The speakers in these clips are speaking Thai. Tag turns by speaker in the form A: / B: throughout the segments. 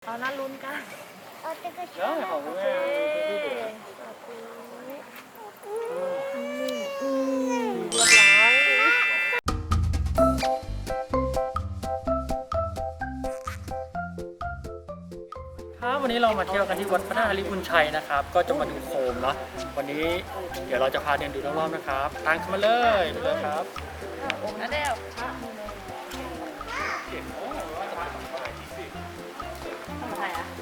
A: เอาน่าลุ้นกัน
B: เอาแต่ก็ช
C: ได้
B: อบ
C: ของคุณแม่
A: เรียบร้อย
C: ครับวันนี้เรามาเที่ยวกันที่วัดพระธาตุลิบุญชัยนะครับ ก็จะมาดูโคมเนาะวันนี้เดี๋ยวเราจะพาเดินดูรอบๆนะครับตามกันมาเลยไปเลยครับ
A: นะเดวทำไมอ่ะ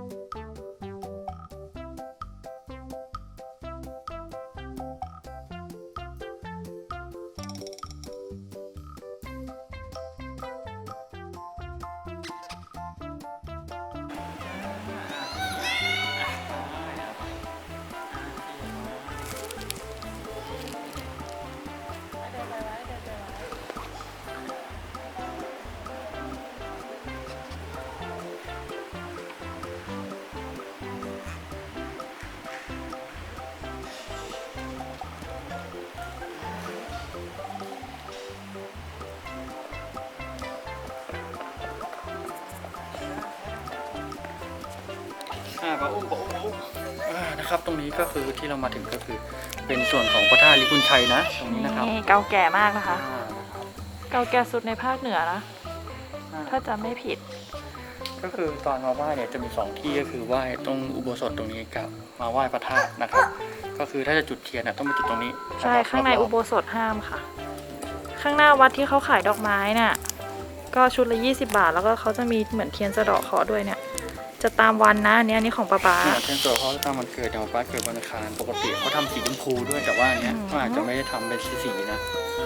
C: ปะอุ้มนะครับตรงนี้ก็คือที่เรามาถึงก็คือเป็นส่วนของพระธาตุลิบุญชัยนะตรงนี้นะครับ
A: นี่เก่าแก่มากนะคะ
C: อ่า
A: เก่าแก่สุดในภาคเหนือนะถ้าจำไม่ผิด
C: ก็คือตอนมาไหว้เนี่ยจะมี2ที่ก็คือไหว้ตรงอุโบสถตรงนี้กับมาไหว้พระธาตุนะครับ ก็คือถ้าจะจุดเทียนน่ะต้องไปจุดตรงนี้
A: ใช่ข้างในอุโบสถห้ามค่ะ ข้างหน้าวัดที่เขาขายดอกไม้น่ะก็ชุดละ20 บาทแล้วก็เขาจะมีเหมือนเทียนสะเดาะเคราะห์ด้วยเนี่ยจะตามวันนะอันนี้ของป๊า
C: เนี่ยเทียนตัวเขาตามวันเกิดอย่างป้าเกิดวันอังคารปกติเขาทำสีชมพูด้วยแต่ว่าอันเนี้ยเขาอาจจะไม่ได้ทำเป็นสีนะ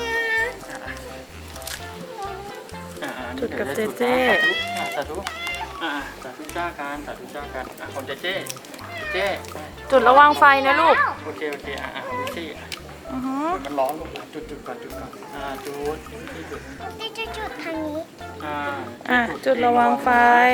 A: จุดกับเจเจ
C: สาธุสาธุจ้ากันของเจเจ
A: จุดระวังไฟนะลูก
C: โอเคของพี่ซี่
A: อือฮึ
C: มันร้อนลงจุดก่อนจุดที่จุด
B: ที่จะจุดทางนี้
A: จุดระวังไฟ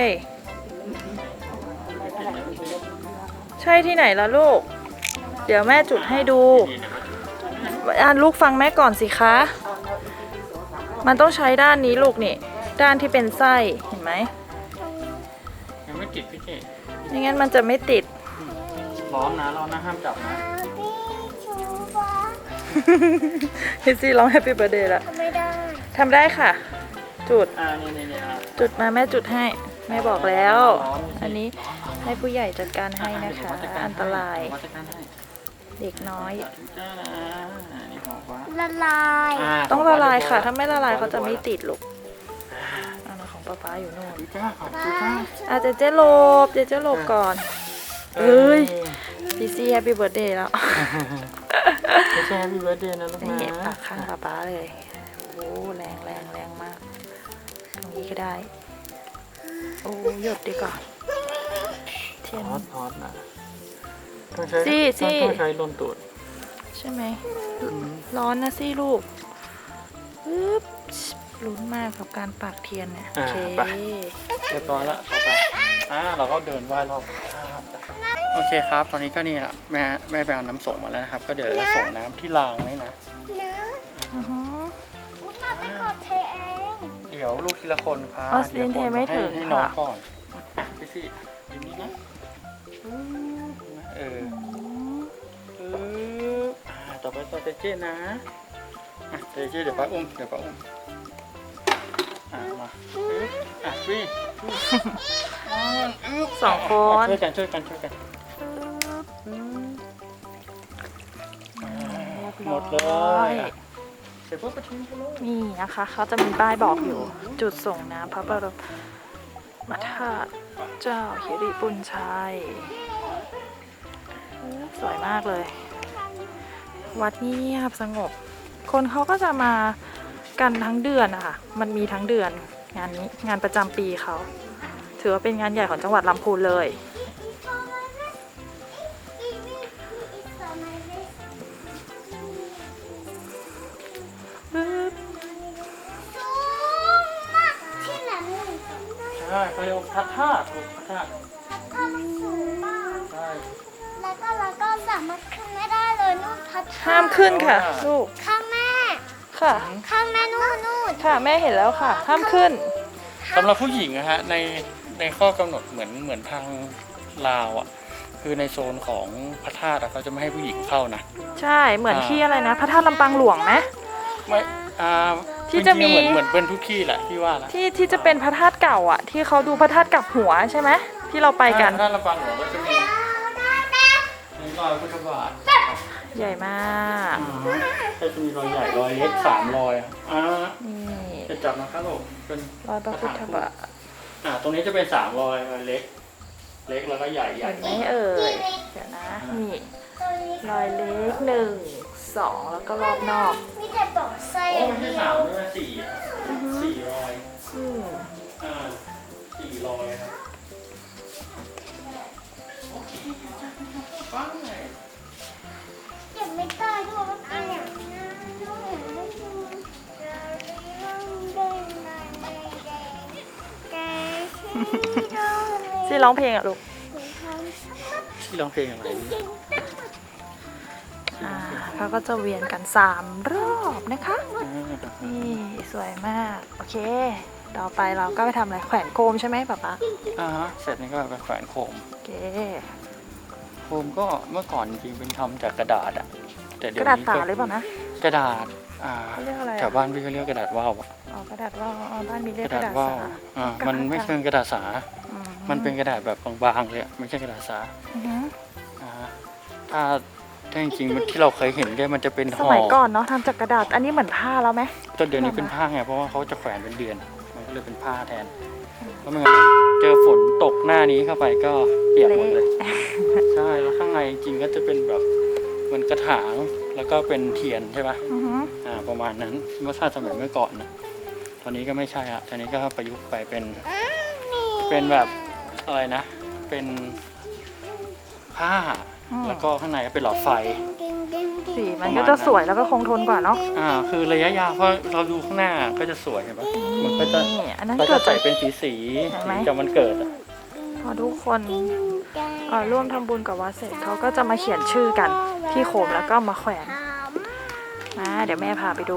A: ใช่ที่ไหนล่ะลูก เดี๋ยวแม่จุดให้ดูลูกฟังแม่ก่อนสิคะ มันต้องใช้ด้านนี้ลูกนี่ด้านที่เป็นไส้เห็นไหม
C: ยังไม่ติดพี่เจ
A: ไม่งั้นมันจะไม่ติด
C: ร้อนนะห้ามจับนะ
B: พี่ชูฟ้า
A: ฮิซี่ร้อง Happy Birthday แล้ว
B: ทำไม่ได้
A: ทำได้ค่ะ จุด
C: นี่
A: จุดมาแม่จุดให้แม่บอกแล้ว อันนี้ให้ผู้ใหญ่จัดการให้นะคะ อันตรายเด็กน้อย
B: ละลาย
A: ต้องละลายค่ะ ถ้าไม่ละลายเขาจะไม่ติดลูกอันนั้นของป๊าอยู่โน่นเจเจหลบก่อนเอ้ยพี่ซี่ Happy Birthday แล้ว
C: ไม่ใช่ Happy Birthday นะลูกนะ
A: นี่ปากข้างป๊าเลยโอ้แรงมากตรงนี้ก็ได้โอ้หยดดีก่อนเทียน
C: ฮอตนะต้องใช้ลนตูด
A: ใช่ไหมร้อนนะสิลูกปึ๊บลุ้นมากกับการปักเทียนเนี่ยโอเค
C: เรียบร้อยแล้วต่อไปเราก็เดินไหว้รอบโอเคครับตอนนี้ก็นี่แหละแม่ไปเอาน้ำส่งมาแล้วนะครับก็เดี๋ยวจะส่งน้ำที่รางนี่นะ
B: เนื้อ
A: อือฮึ
B: มุตาไปกดเทเอง
C: เดี๋ยวลูกทีละคนครับ
A: ออสตินเทไม่ถึง
C: ให้น้อง
A: ค่ะ
C: ก่อนพี่ซี่อยู่นี่นะต่อไปต่อเจเจนะเจเจเดี๋ยวป้าอุ้มมาวิ่ง
A: 2 คน
C: ช่วยกันหมดเลยเสร็จปุ๊บก็ทิ้งไปเลย
A: นี่นะคะเขาจะมีป้ายบอกอยู่ จุดส่งน้ำพระบรมธาตุเจ้าหิริปุญชัยสวยมากเลย วัดนี้เงียบสงบ คนเขาก็จะมากันทั้งเดือนนะคะมันมีทั้งเดือนงานนี้งานประจำปีเขาถือว่าเป็นงานใหญ่ของจังหวัดลำพูนเลย
B: ที่ไหน
C: ใช่เขาเรียกว่าพระธาตุ
B: ก็สูงมาก
C: ใช่
B: แล้วก็สามารถขึ้นไม่ได้เลยนู่นพัด
A: ห้ามขึ้นค่ะลูก
B: ข้างแม่
A: ค่ะ
B: ข้างแม่นู่น
A: ค่ะแม่เห็นแล้วค่ะ ห้ามขึ้น
C: สำหรับผู้หญิงนะฮะในในข้อกำหนดเหมือนทางลาวอ่ะคือในโซนของพระธาตุเขาจะไม่ให้ผู้หญิงเข้านะ
A: ใช่เหมือนที่อะไรนะพระธาตุลำปางหลวงไหม
C: ไม่
A: ที่จะมี
C: เหมือนเป็นทุกที่แหละที่ว่าละ
A: ที่จะเป็นพระธาตุเก่าอ่ะที่เขาดูพระธาตุกลับหัวใช่ไหมที่เราไปกัน
C: พระธาตุลำปางหลวงก็จะมีในรอยพุทธบาท
A: ใหญ่มาก
C: ก็จะมีรอยใหญ่รอยเล็ก3 รอย
A: นี่
C: จะจับนะครับผมเป็น
A: รอยพระพุทธบาท
C: ตรงนี้จะเป็น3 รอยเล็กแล้วก็ใหญ่
A: เห็นไหมเอ่ยเดี๋ยวนะนี่รอยเล็ก1 2แล้วก็รอบนอก
B: มีแต่บอกไส้
C: โอ้ไม่ใช่3ด้วย4 รอย
A: อืม
C: 4 รอยครับโอเคฟังเลย
B: เก็บไม่ได้ด้วยว่าเป็นอย่าง
A: ซี่ร้องเพลงอ่ะลูก
C: ที่ร้องเพลงอะไร
A: เขาก็จะเวียนกัน3 รอบนะคะนี่สวยมากโอเคต่อไปเราก็ไปทำอะไรแขวนโคมใช่ไหมป๊าป๊า
C: เสร็จนี่ก็ไปแขวนโคม
A: โอเค
C: โคมก็เมื่อก่อนจริงๆเป็นทำจากกระดาษอะแต่
A: ก
C: เดี๋ยว
A: ระดาษ
C: นี้
A: สา
C: ก็
A: หรือเปล่านะ
C: กระดาษ
A: เขาเรียกอะไร
C: แถวบ้านพี่ก็เรียกกระดาษว่าวอะ
A: อ๋อกระดาษว่าวบ้านมีเรียก
C: ก
A: ก
C: ระ
A: ระ
C: ดา
A: ดา
C: ษ
A: ษ
C: ว่าว
A: สา
C: มันไม่ใช่กระดาษสา มันเป็นกระดาษแบบบางๆเลยอะไม่ใช่กระดาษสา
A: อือหือ
C: ถ้าจริงๆที่เราเคยเห็นเนี่ยมันจะเป็น
A: ส
C: ห่อ
A: มัยก่อนเนาะทำจากกระดาษอันนี้เหมือนผ้าแล้วไหม
C: จนเดี๋ยวนี้เป็นผ้าไงเพราะว่าเขาจะแขวนเป็นเดือนมันก็เลยเป็นผ้าแทนเพราะไม่งั้นเจอฝนตกหน้านี้เข้าไปก็เปียกหมดเลย ใช่แล้วข้างในจริงๆก็จะเป็นแบบเหมือนกระถางแล้วก็เป็นเทียนใช่ปะ
A: อือหือ
C: ประมาณนั้นเมื่อสมัยเมื่อก่อนนะตอนนี้ก็ไม่ใช่อะตอนนี้ก็ประยุกต์ไปเป็นแบบอะไรนะ เป็นผ้าแล้วก็ข้างในก็เป็นหลอดไฟ
A: สีมันก็จะสวยแล้วก็คงทนกว่าเนาะ
C: คือระยะยาวเพราะเราดูข้างหน้าก็จะสวยเห็นปะมันก็จะ
A: นี่อันนั้น
C: ก็
A: เกิ
C: จะ
A: ด
C: ใส่
A: จาก
C: เป็นสี
A: เห็นไหม
C: จากมันเกิดอะ
A: พอทุกคนร่วมทำบุญกับวัดเสร็จเขาก็จะมาเขียนชื่อกันที่โคมแล้วก็มาแขวนเดี๋ยวแม่พาไปดู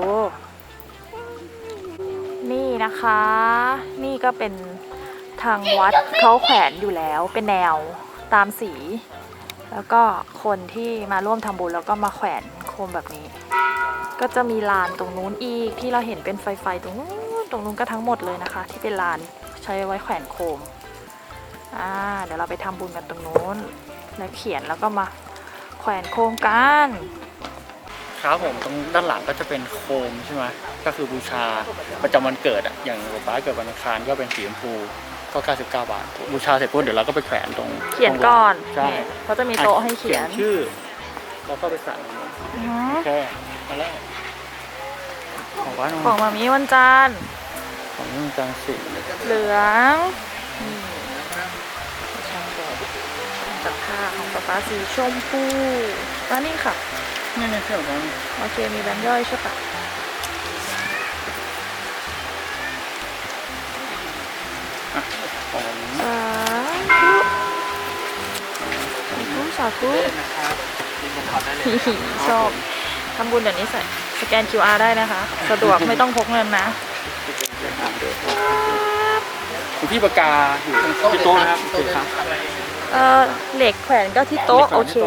A: นี่นะคะ นี่ก็เป็นทางวัดเขาแขวนอยู่แล้วเป็นแนวตามสี แล้วก็คนที่มาร่วมทำบุญแล้วก็มาแขวนโคมแบบนี้ ก็จะมีลานตรงนู้นอีกที่เราเห็นเป็นไฟตรงนู้นก็ทั้งหมดเลยนะคะ ที่เป็นลานใช้ไว้แขวนโคมเดี๋ยวเราไปทำบุญกันตรงนู้นแล้วเขียนแล้วก็มาแขวนโคมกัน
C: ครับผมตรงด้านหลังก็จะเป็นโคมใช่ไหมก็คือบูชาประจำวันเกิดอะอย่างป๊าเกิดวันอังคารก็เป็นสีชมพูก็99 บาทบูชาเสร็จปุ๊บเดี๋ยวเราก็ไปแขวนตรง
A: เขียนก่อน
C: ใช่
A: เขาจะมีโต๊ะให้เขียน
C: ชื่อแล้วก็ไปสั่งโอเคมาแล้วของบ้าน
A: ของมามีวันจันทร์
C: ของนี่จางสี
A: เหลืองจากผ้าของป๊าป๊าสีชมพูแล้วนี่ค่ะ
C: นี่เที่ยวกัน
A: โอเคมีแบงค์ย่อยใช่ปะ
C: ของ
A: สาธุชอบทำบุญเดี๋ยวนี้ใส่สแกน QR ได้นะคะ สะดวกไม่ต้องพกเงินนะ
C: คุณพี่ปากกาอยู่ที่โต๊ะนะครับคือครับ
A: เหล็กแขวนก็ที่โต๊ะโอเค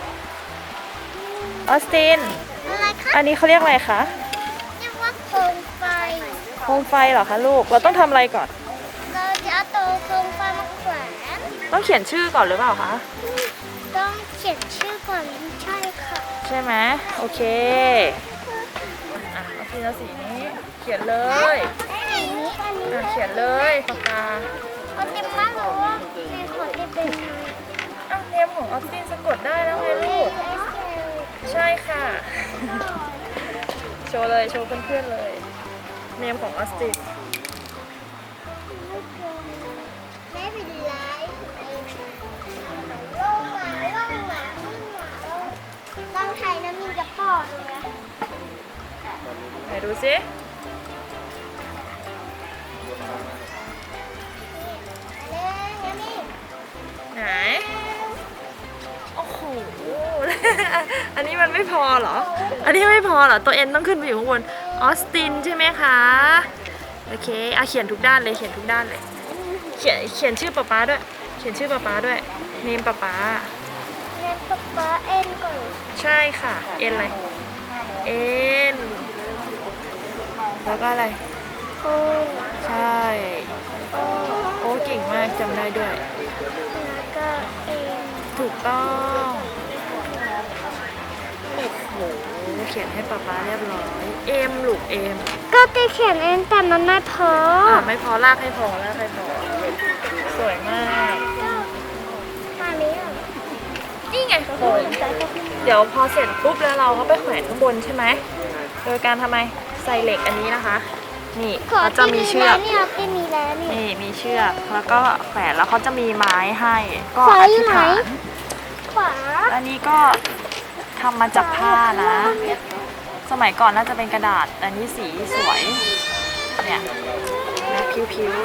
A: ออสติน
B: อะไรคะ
A: อันนี้เขาเรียกอะไรคะ
B: เรียกว่าโคมไฟ
A: โคมไฟเหรอคะลูกเราต้องทำอะไรก่อน
B: เราจะเอาตัวโคมไฟมาแขวน
A: ต้องเขียนชื่อก่อนหรือเปล่าคะ
B: ต้องเขียนชื่อก่อนใช่ค่ะ
A: ใช่ไหมโอเคเอาทีละสีนี้เขียนเลย
B: อันนี้
A: เขียนเลยปากกา
B: เอาเต็มมากหรือว่าในขอที่เป็น
A: เนมของออสตินสะกดได้แล้วไงลูกใช่ค่ะ โชว์เลยโชว์เพื่อนๆเลยเนมของออสติน
B: ไม่เป็นไรลงมาต้องไทยน้ำมีกระป๋องเลยนะ
A: ไหนดูสิไหนโอ้โห อันนี้มันไม่พอเหรอ อันนี้ไม่พอเหรอตัวเอ็นต้องขึ้นไปอยู่ข้างบนออสตินใช่ไหมคะโอเคเขียนทุกด้านเลยเขียนทุกด้านเลยเขียนชื่อป๊าด้วย เขียนชื่อป๊าด้วยเนมป๊า
B: เรียนป๊าป๊าเอ็นก่อน
A: ใช่ค่ะ เอ็นอะไร เอ็น แล้วก็อะไร
B: โอ้
A: ใช่ โอ้เก่งมากจำได้ด้วย
B: แล้วก็เอ็น
A: ถูกต้องโอ้โหเขียนให้ป๊าเรียบร้อย เอ็มลูกเอ็ม
B: ก็จะเขียนเอ็นแต่มันไม่พอ
A: ไม่พอลากให้พอลากให้พอ สวยมาก
B: มาเลี้ยง
A: นี่ไงโค้งเดี๋ยวพอเสร็จปุ๊บแล้วเราก็ไปแขวนข้างบนใช่ไหม โดยการทำไมใส่เหล็กอันนี้นะคะ นี่
B: ขอ
A: เขาจะมีเชือก
B: ที่นี่ที่มีแล้วนี่
A: นี่มีเชือกแล้วก็แขวนแล้วเขาจะมีไม้ให้ ก็
B: ขวา
A: อ
B: อยู่
A: ธิษ
B: ไหน
A: ฐาน
B: ขวา
A: อันนี้ก็ทำมาจากผ้านะ สมัยก่อนน่าจะเป็นกระดาษแต่นี่สีสวย เนี่ยนะผิว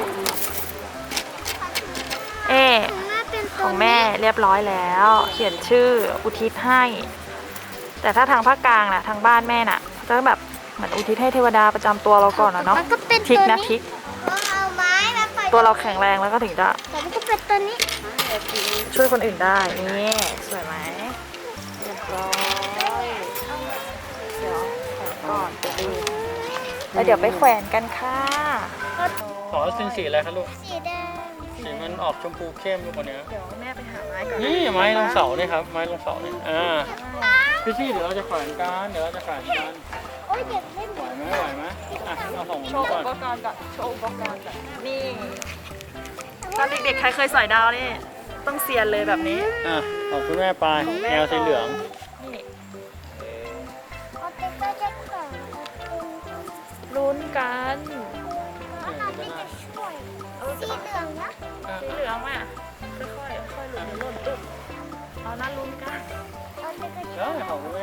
A: ๆ
B: แม่เป็น
A: ของแม่เรียบร้อยแล้ว เขียนชื่ออุทิศให้ แต่ถ้าทางภาคกลางน่ะทางบ้านแม่น่ะจะแบบเหมือนอุทิศให้เทวดาประจำตัวเราก่อนนะเนาะ
B: มันก็เป็น
A: ทิก
B: ตัว
A: นะ
B: นี้
A: ทิก
B: เอาไม้มาปล่อย
A: ตัวเราแข็งแรงแล้วก็ถึงจะ
B: แต่มันก็เป็นตัวนี้
A: ช่วยคนอื่นได้ นี่สวยไหมเรียบร้อยเดี๋ยวแขวนก่อนจะดูแล้วเดี๋ยวไปแขวนกันค่ะ
C: ขอเป็นสีอะไรคะลูก
B: สีแดง
C: สีมันออกชมพูเข้มลูกกว่านี้
A: เดี๋ยวแม่ไปหาไม้ก่อน
C: นี่ไม้ลงเสาเนี่ยครับ ไม้ลงเสาเนี่ยพี่ซี่เดี๋ยวเราจะแขวนกันเดี๋ยวเราจะแขวนกัน
B: โอ้ยเด็กเล่นหม
C: ไหว
B: ด
C: ไหมอ่ะเอาของ
A: โช
C: นี้
A: ว์
C: ก่
A: อุ
C: อน
A: ปกรณ์ก่อนโชว์อุปกรณ์ก่อนนี่ตอนเด็กๆใครเคยสอยดาวนี่ต้องเซียนเลยแบบนี้
C: อ่ะของคุณแม่ไปแนวสีเหลือง
A: นี่
B: เอาเด็กก็จะแข่ง
A: ลุ้นกัน
B: เอาเราที่จะช่วยสีเหลืองนะ
A: สีเหลืองอ่ะค่อยๆค่อยๆหลุดหล่นตุ๊บเอานั้นลุ้นกัน
B: เอาเด็กก็จะ
C: แล้วของคุณแม่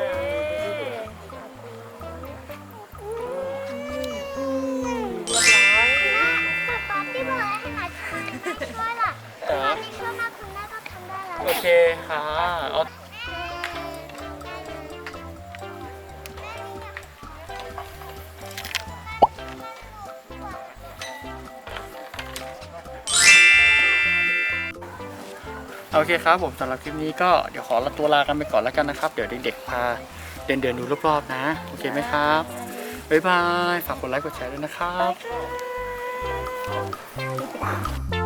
A: เรียบร้อย
B: แต่ตอนที่บอกให้หาช่วยล่ะตอนนี้ช่วยมากคุณแม่ก็ทำได้แล้ว
C: โอเคค่ะเอาโอเคครับผมสำหรับคลิปนี้ก็เดี๋ยวขอตัวลากันไปก่อนแล้วกันนะครับ เดี๋ยวเด็กๆพาเดินดูรอบๆนะ โอเคไหมครับ บ๊ายบาย ฝากกดไลค์กดแชร์ด้วยนะครับ